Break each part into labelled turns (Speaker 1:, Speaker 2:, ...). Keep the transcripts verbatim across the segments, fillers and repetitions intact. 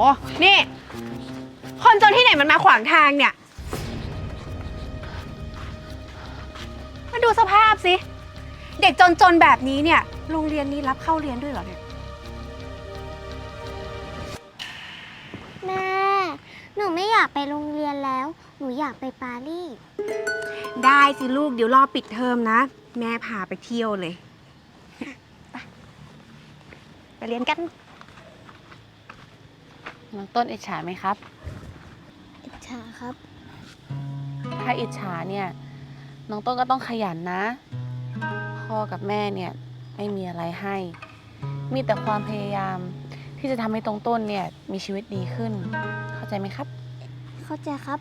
Speaker 1: นี่คนจนที่ไหนมันมาขวางทางเนี่ยมาดูสภาพสิเด็กจนๆแบบนี้เนี่ยโรงเรียนนี้รับเข้าเรียนด้วยเหรอเนี่ย
Speaker 2: แม่หนูไม่อยากไปโรงเรียนแล้วหนูอยากไปปารีส
Speaker 1: ได้สิลูกเดี๋ยวรอปิดเทอมนะแม่พาไปเที่ยวเลยไปไปเรียนกัน
Speaker 3: น้องต้นอิจฉาไหมครับ
Speaker 2: อิจฉาครับ
Speaker 3: ถ้าอิจฉาเนี่ยน้องต้นก็ต้องขยันนะพ่อกับแม่เนี่ยไม่มีอะไรให้ มีแต่ความพยายามที่จะทำให้ตรงต้นเนี่ยมีชีวิตดีขึ้นเข้าใจไหมครับ
Speaker 2: เข้าใจครับ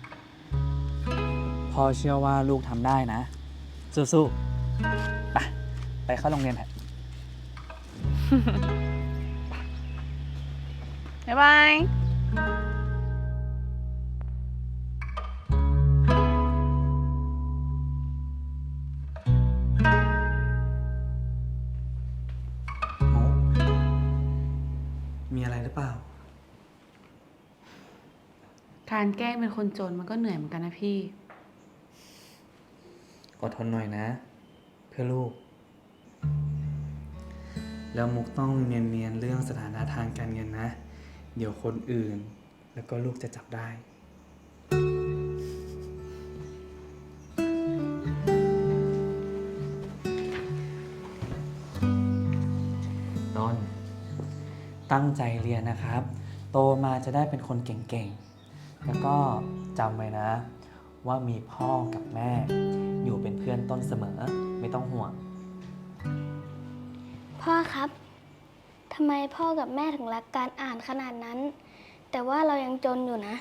Speaker 4: พ่อเชื่อว่าลูกทำได้นะสู้ๆไปไปเข้าโรงเรียนเถอะ
Speaker 3: บ๊ายบาย
Speaker 4: มีอะไรหรือเปล่า
Speaker 3: การแกล้งเป็นคนจนมันก็เหนื่อยเหมือนกันนะพี่
Speaker 4: อดทนหน่อยนะ เพื่อลูก แล้วมุกต้องเนียนๆเรื่องสถานะทางการเงินนะ เดี๋ยวคนอื่นแล้วก็ลูกจะจับได้ต้นตั้งใจเรียนนะครับ โตมาจะได้เป็นคนเก่งๆ แล้วก็จำไว้นะว่ามีพ่อกับแม่อยู่เป็นเพื่อนต้นเสมอไม่ต้องห่วง
Speaker 2: พ่อครับทำไมพ่อกับแม่ถึงรักการอ่านขนาดนั้นแต่ว่าเรายังจนอยู่นะ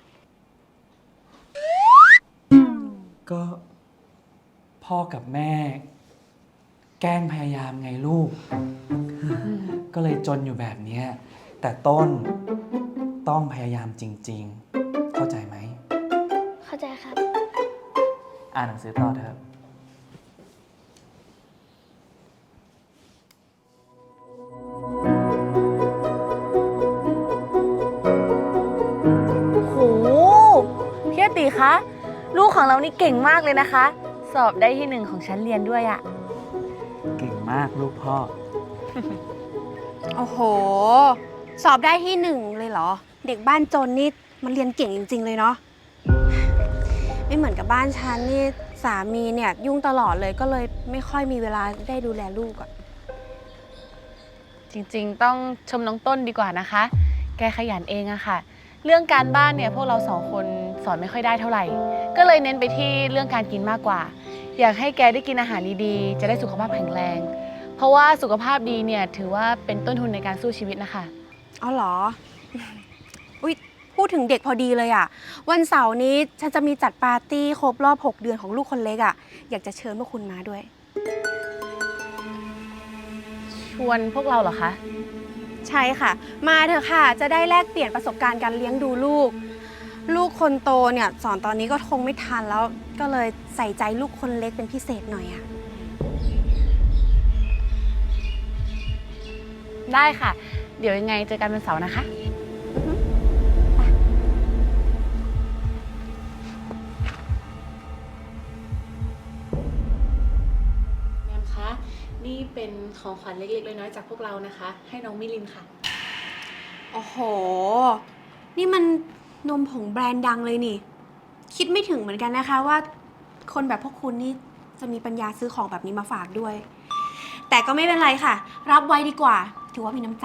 Speaker 4: ก็พ่อกับแม่แกล้งพยายามไงลูก ก็เลยจนอยู่แบบนี้แต่ต้นต้องพยายามจริงๆเข้าใจไหม
Speaker 2: เข้าใจครับ
Speaker 4: อ่านหนังสือต่อเถอะ
Speaker 3: โหพี่อติคะลูกของเรานี่เก่งมากเลยนะคะสอบได้ที่หนึ่งของชั้นเรียนด้วยอะ
Speaker 4: เก่งมากลูกพ่อ
Speaker 1: โอ้โหสอบได้ที่หนึ่งเลยเหรอเด็กบ้านจนนี่มันเรียนเก่งจริงๆเลยเนาะไม่เหมือนกับบ้านฉันนี่สามีเนี่ยยุ่งตลอดเลยก็เลยไม่ค่อยมีเวลาได้ดูแลลูกอะ
Speaker 3: จริงๆต้องชมน้องต้นดีกว่านะคะแกขยันเองอะค่ะเรื่องการบ้านเนี่ยพวกเราสองคนสอนไม่ค่อยได้เท่าไหร่ก็เลยเน้นไปที่เรื่องการกินมากกว่าอยากให้แกได้กินอาหารดีๆจะได้สุขภาพแข็งแรงเพราะว่าสุขภาพดีเนี่ยถือว่าเป็นต้นทุนในการสู้ชีวิตนะคะ
Speaker 1: อ๋อเหรออุ๊ยพูดถึงเด็กพอดีเลยอะวันเสาร์นี้ฉันจะมีจัดปาร์ตี้ครบรอบหกเดือนของลูกคนเล็กอะอยากจะเชิญพวกคุณมาด้วย
Speaker 3: ชวนพวกเราเหรอคะ
Speaker 1: ใช่ค่ะมาเถอะค่ะจะได้แลกเปลี่ยนประสบการณ์การเลี้ยงดูลูกลูกคนโตเนี่ยสอนตอนนี้ก็คงไม่ทันแล้วก็เลยใส่ใจลูกคนเล็กเป็นพิเศษหน่อยอะ
Speaker 3: ได้ค่ะเดี๋ยวยังไงเจอกันวันเสาร์นะคะแมมคะนี่เป็นของขวัญเล็กๆน้อยๆจากพวกเรานะคะให้น้องมิลินค่ะ
Speaker 1: โอ้โหนี่มันนมผงแบรนด์ดังเลยนี่คิดไม่ถึงเหมือนกันนะคะว่าคนแบบพวกคุณนี่จะมีปัญญาซื้อของแบบนี้มาฝากด้วยแต่ก็ไม่เป็นไรค่ะรับไว้ดีกว่าถือว่ามีน้ำใจ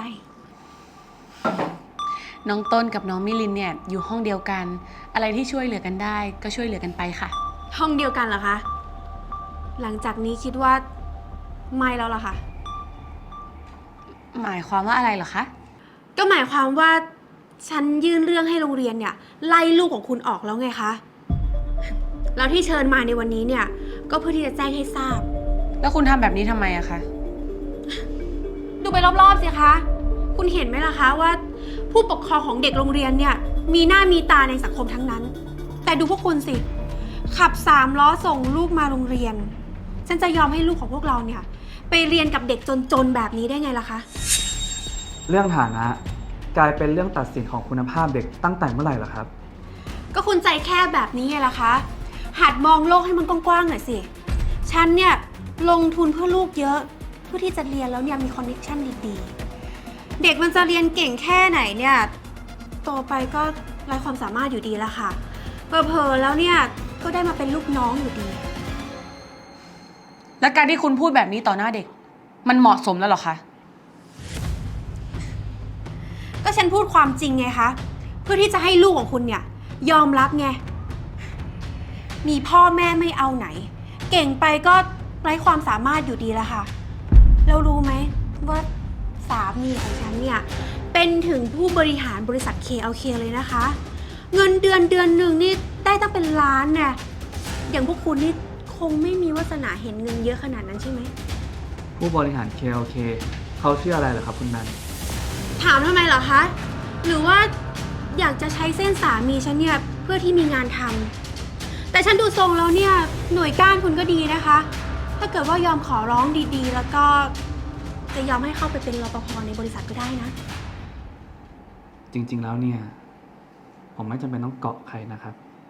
Speaker 3: น้องต้นกับน้องมิลินเนี่ยอยู่ห้องเดียวกันอะไรที่ช่วยเหลือกันได้ก็ช่วยเหลือกันไปค่ะ
Speaker 1: ห้องเดียวกันเหรอคะหลังจากนี้คิดว่าไม่แล้วล่ะค่ะ
Speaker 3: หมายความว่าอะไรเหรอคะ
Speaker 1: ก็หมายความว่าฉันยื่นเรื่องให้โรงเรียนเนี่ยไล่ลูกของคุณออกแล้วไงคะแล้วที่เชิญมาในวันนี้เนี่ยก็เพื่อที่จะแจ้งให้ทราบ
Speaker 3: แล้วคุณทำแบบนี้ทำไมอะคะ
Speaker 1: ดูไปรอบๆสิคะคุณเห็นไหมล่ะคะว่าผู้ปกครองของเด็กโรงเรียนเนี่ยมีหน้ามีตาในสังคมทั้งนั้นแต่ดูพวกคุณสิขับสามล้อส่งลูกมาโรงเรียนฉันจะยอมให้ลูกของพวกเราเนี่ยไปเรียนกับเด็กจนๆแบบนี้ได้ไงล่ะคะ
Speaker 4: เรื่องฐานะกลายเป็นเรื่องตัดสินของคุณภาพเด็กตั้งแต่เมื่อไหร่ล่ะครับ
Speaker 1: ก็คุณใจแคบแบบนี้ไงล่ะคะ หัดมองโลกให้มันกว้างๆหน่อยสิ ฉันเนี่ยลงทุนเพื่อลูกเยอะ เพื่อที่จะเรียนแล้วเนี่ยมีคอนเนคชั่นดีๆ เด็กมันจะเรียนเก่งแค่ไหนเนี่ยโตไปก็ไร้ความสามารถอยู่ดีละค่ะเผลอๆแล้วเนี่ยก็ได้มาเป็นลูกน้องอยู่ดี
Speaker 3: และการที่คุณพูดแบบนี้ต่อหน้าเด็ก มันเหมาะสมแล้วเหรอคะ
Speaker 1: ก็ฉันพูดความจริงไงคะ เพื่อที่จะให้ลูกของคุณเนี่ยยอมรับไง มีพ่อแม่ไม่เอาไหน เก่งไปก็ไร้ความสามารถอยู่ดีละค่ะ แล้วรู้ไหมว่าสามีของฉันเนี่ยเป็นถึงผู้บริหารบริษัท เค แอล เค เลยนะคะ เงินเดือนเดือนหนึ่งนี่ได้ตั้งเป็นล้านเนี่ยอย่างพวกคุณนี่คงไม่มีวาสนาเห็นเงินเยอะขนาดนั้นใช่ไหม
Speaker 4: ผู้บริหาร เค แอล เค เขาชื่ออะไรเหรอครับคุณแบม
Speaker 1: ถามทำไมเหรอคะ หรือว่าอยากจะใช้เส้นสามีฉันเนี่ยเพื่อที่มีงานทำแต่ฉันดูทรงแล้วเนี่ยหน่วยก้านคุณก็ดีนะคะ ถ้าเกิดว่ายอมขอร้องดีๆ แล้วก็จะยอมให้เข้าไปเป็นรปภในบริษัทก็ได้นะ
Speaker 4: จริงๆแล้วเนี่ย ผมไม่จำเป็นต้องเกาะใครนะครับ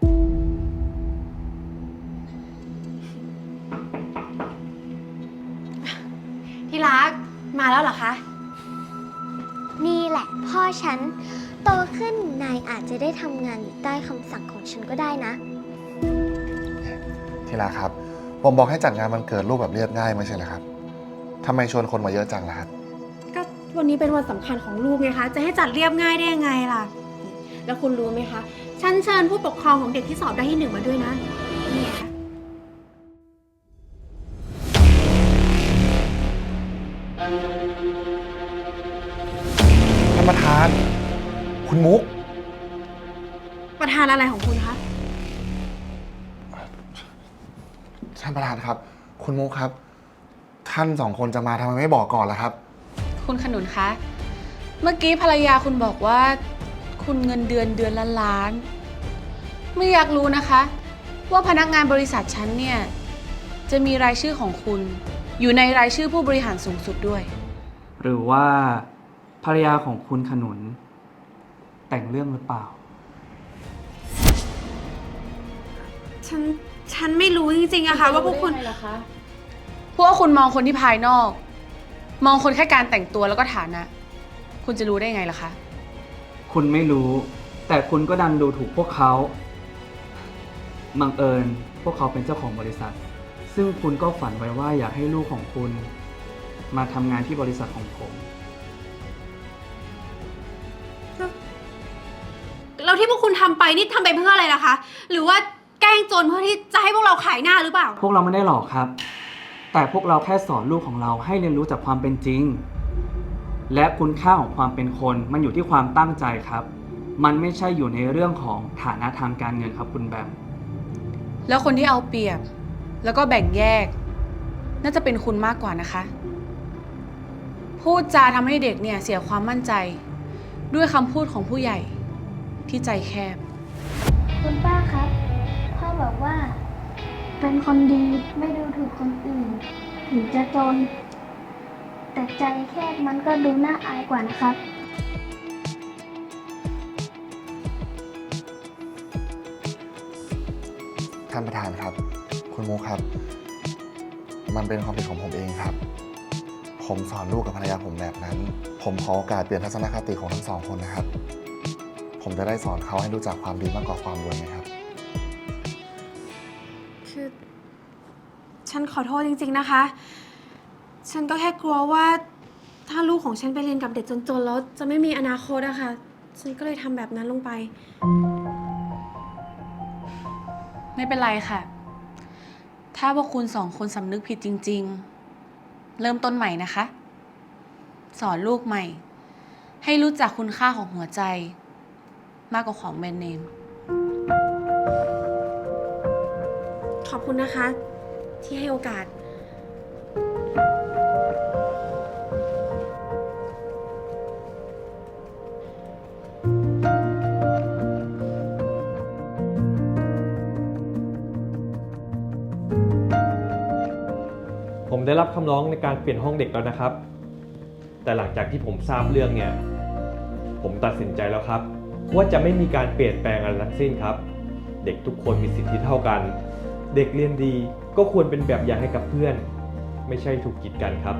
Speaker 1: ที่รักมาแล้วเหรอคะ
Speaker 2: นี่แหละพ่อฉัน โตขึ้นนายอาจจะได้ทำงานอยู่ใต้คำสั่งของฉันก็ได้นะ
Speaker 5: ทีละครับ ผมบอกให้จัดงานวันเกิดลูกแบบเรียบง่ายไม่ใช่เหรอครับทำไมชวนคนมาเยอะจังล่ะครับ
Speaker 1: ก็วันนี้เป็นวันสำคัญของลูกไงคะ จะให้จัดเรียบง่ายได้ยังไงล่ะ แล้วคุณรู้ไหมคะ ฉันเชิญผู้ปกครองของเด็กที่สอบได้ที่หนึ่งมาด้วยนะนี่ค่ะ
Speaker 5: ท่านประธาน คุณมุก
Speaker 1: ประธานอะไรของคุณคะ
Speaker 5: ท่านประธานครับ คุณมุกครับ ท่านสองคนจะมาทำไมไม่บอกก่อนล่ะครับ
Speaker 3: คุณขนุนคะ เมื่อกี้ภรรยาคุณบอกว่า คุณเงินเดือนเดือนละล้าน ไม่อยากรู้นะคะ ว่าพนักงานบริษัทฉันเนี่ย จะมีรายชื่อของคุณ อยู่ในรายชื่อผู้บริหารสูงสุดด้วย
Speaker 4: หรือว่าภรรยาของคุณขนุน แต่งเรื่องหรือเปล่า
Speaker 1: ฉัน ฉันไม่รู้จริงๆอะค่ะว่าพวกคุณ
Speaker 3: พวกคุณมองคนที่ภายนอก มองคนแค่การแต่งตัวแล้วก็ฐานะ คุณจะรู้ได้ไงล่ะคะ
Speaker 4: คุณไม่รู้ แต่คุณก็ดันดูถูกพวกเขาบังเอิญพวกเขาเป็นเจ้าของบริษัท ซึ่งคุณก็ฝันไว้ว่าอยากให้ลูกของคุณ มาทำงานที่บริษัทของผม
Speaker 1: แล้วที่พวกคุณทำไปนี่ทำไปเพื่ออะไรล่ะคะ หรือว่าแกล้งจนเพื่อที่จะให้พวกเราขายหน้าหรือเปล่า
Speaker 4: พวกเราไม่ได้หลอกครับ แต่พวกเราแค่สอนลูกของเราให้เรียนรู้จากความเป็นจริง และคุณค่าของความเป็นคนมันอยู่ที่ความตั้งใจครับ มันไม่ใช่อยู่ในเรื่องของฐานะทางการเงินครับคุณแบม
Speaker 3: แล้วคนที่เอาเปรียบ แล้วก็แบ่งแยก น่าจะเป็นคุณมากกว่านะคะ พูดจาทำให้เด็กเนี่ยเสียความมั่นใจ ด้วยคำพูดของผู้ใหญ่ที่ใจแคบ
Speaker 2: คุณป้าครับ พ่อบอกว่า เป็นคนดีไม่ดูถูกคนอื่น ถึงจะจน แต่ใจแคบมันก็ดูน่าอายกว่านะครับ
Speaker 5: ท่านประธานครับ คุณมุกครับ มันเป็นความผิดของผมเองครับ ผมสอนลูกกับภรรยาผมแบบนั้น ผมขอโอกาสเปลี่ยนทัศนคติของทั้งสองคนนะครับ ผมจะได้สอนเขาให้รู้จักความดีมากกว่าความรวยไหมครับ
Speaker 1: คือฉันขอโทษจริงๆนะคะ ฉันก็แค่กลัวว่าถ้าลูกของฉันไปเรียนกับเด็กจนๆแล้วจะไม่มีอนาคตอะค่ะ ฉันก็เลยทำแบบนั้นลงไป
Speaker 3: ไม่เป็นไรค่ะ ถ้าพวกคุณสองคนสำนึกผิดจริงๆ เริ่มต้นใหม่นะคะ สอนลูกใหม่ ให้รู้จักคุณค่าของหัวใจ มากกว่าของแบรนด์เนม
Speaker 1: ขอบคุณนะคะ ที่ให้โอกาส
Speaker 6: ผมได้รับคำร้องในการเปลี่ยนห้องเด็กแล้วนะครับ แต่หลังจากที่ผมทราบเรื่องเนี่ย ผผมตัดสินใจแล้วครับ ว่าจะไม่มีการเปลี่ยนแปลงอะไรทั้งสิ้นครับ เด็กทุกคนมีสิทธิเท่ากัน เด็กเรียนดีก็ควรเป็นแบบอย่างให้กับเพื่อน ไม่ใช่ถูกกีดกันครับ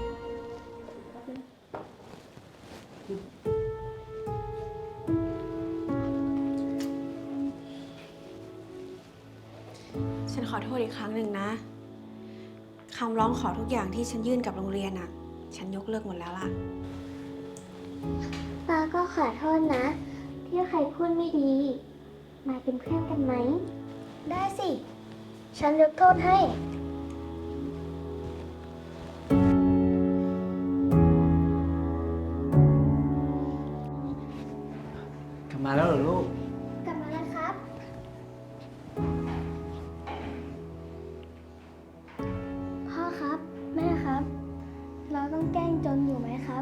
Speaker 1: ฉันขอโทษอีกครั้งหนึ่งนะคำร้องขอทุกอย่างที่ฉันยื่นกับโรงเรียนอะฉันยกเลิกหมดแล้วล่ะ
Speaker 2: ป้าก็ขอโทษนะ ที่ใครพูดไม่ดี มาเป็นเพื่อนกันไหม ได้สิ ฉันยกโทษให้
Speaker 4: กลับมาแล้วเหรอลูก
Speaker 2: กลับมาแล้วครับ พ่อครับ แม่ครับ เราต้องแกล้งจนอยู่ไหมครับ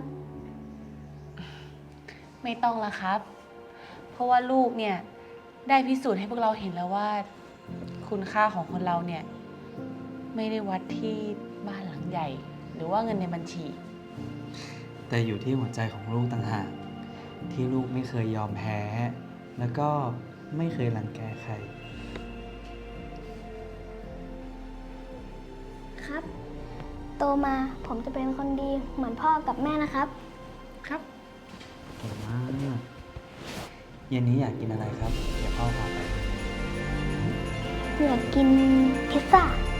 Speaker 3: ไม่ต้องละครับ เพราะว่าลูกเนี่ยได้พิสูจน์ให้พวกเราเห็นแล้วว่า คุณค่าของคนเราเนี่ย ไม่ได้วัดที่บ้านหลังใหญ่ หรือว่าเงินในบัญชี
Speaker 4: แต่อยู่ที่หัวใจของลูกต่างหากที่ลูกไม่เคยยอมแพ้ แล้วก็ไม่เคยรังแกใคร
Speaker 2: ครับ โตมาผมจะเป็นคนดีเหมือนพ่อกับแม่นะครับ
Speaker 3: ครับ
Speaker 4: เก่งมากเย็นนี้อยากกินอะไรครับ เดี๋ยวพ่อพาไป
Speaker 2: อยากกินพิซซ่า